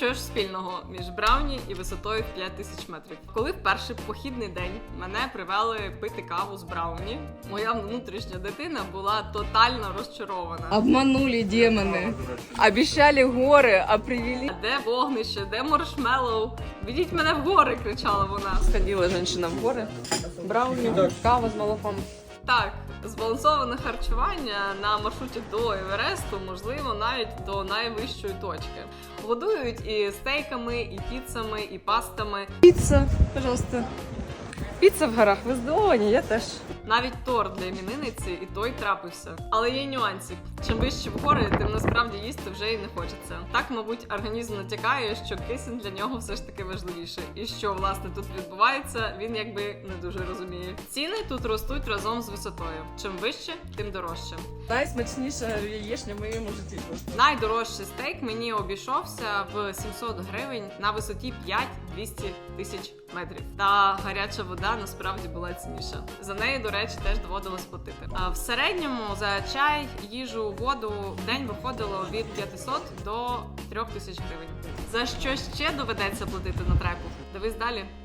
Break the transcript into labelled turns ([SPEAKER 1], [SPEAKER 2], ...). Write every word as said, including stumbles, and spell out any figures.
[SPEAKER 1] що ж спільного між Брауні і висотою в п'ять тисяч метрів? Коли в перший похідний день мене привели пити каву з Брауні, моя внутрішня дитина була тотально розчарована.
[SPEAKER 2] Обманули демони. Обіцяли гори, а привели...
[SPEAKER 1] Де вогнище, де маршмеллоу? Ведіть мене в гори, кричала вона.
[SPEAKER 2] Сходила жінка в гори. Брауні, кава з молоком.
[SPEAKER 1] Так, збалансоване харчування на маршруті до Евересту, можливо, навіть до найвищої точки. Годують і стейками, і піцами, і пастами.
[SPEAKER 2] Піца, пожалуйста. Піца в горах, ви здивовані, я теж.
[SPEAKER 1] Навіть торт для іменинниці і той трапився. Але є нюансик. Чим вище в гори, тим насправді їсти вже і не хочеться. Так, мабуть, організм натякає, що кисень для нього все ж таки важливіше. І що, власне, тут відбувається, він якби не дуже розуміє. Ціни тут ростуть разом з висотою. Чим вище, тим дорожче.
[SPEAKER 2] Найсмачніша яєчня в моєму житті.
[SPEAKER 1] Найдорожчий стейк мені обійшовся в сімсот гривень на висоті п'ять-двісті тисяч метрів. Та гаряча вода насправді була цінніша. За неї, до речі, теж доводилось платити. А в середньому за чай, їжу, воду в день виходило від п'ятисот до трьох тисяч гривень. За що ще доведеться платити на треку? Дивись далі.